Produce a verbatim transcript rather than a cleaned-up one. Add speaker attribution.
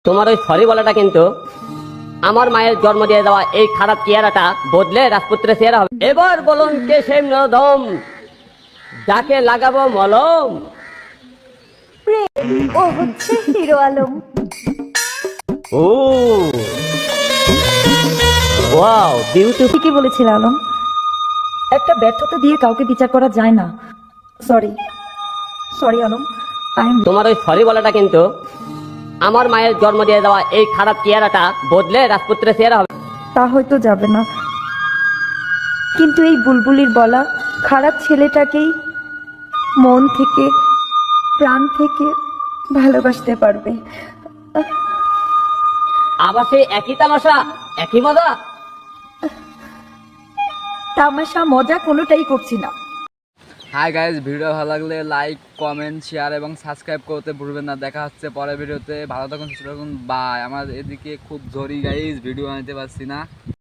Speaker 1: তোমার ওই সরি বলাটা কিন্তু আমার মায়ের জন্ম দিয়ে দেওয়া এই খারাপ চেহারাটা বদলে রাজপুত্রের চেহারা হবে। এবার বলুন কে সেই নরদম যাকে লাগাবো মলম।
Speaker 2: প্রেম ও হচ্ছে হিরো আলম।
Speaker 1: ও ওয়াও বিউটিফুল।
Speaker 2: ঠিকই বলেছিল আলম, একটা ব্যর্থতা দিয়ে কাউকে বিচার করা যায় না। Sorry sorry Alam, I am.
Speaker 1: তোমার ওই সরি বলাটা কিন্তু আমার মায়ের জন্ম দিয়ে দেওয়া এই খারাপ চেহারাটা বদলে রাজপুত্রের চেহারা হবে।
Speaker 2: তা হয়তো যাবে না, কিন্তু এই বুলবুলির বলা খারাপ ছেলেটাকেই মন থেকে প্রাণ থেকে ভালোবাসতে পারবে।
Speaker 1: আবার সেই একই তামাশা একই মজা।
Speaker 2: তামাশা মজা কোনোটাই করছি না।
Speaker 3: হাই গাইজ, ভিডিও ভালো লাগলে লাইক কমেন্ট শেয়ার এবং সাবস্ক্রাইব করতে ভুলবেন না। দেখা হচ্ছে পরের ভিডিওতে। ভালো থাকুন, সুস্থ থাকুন, বাই। আমার এদিকে খুব জরি গাইজ, ভিডিও আনতে পারছি না।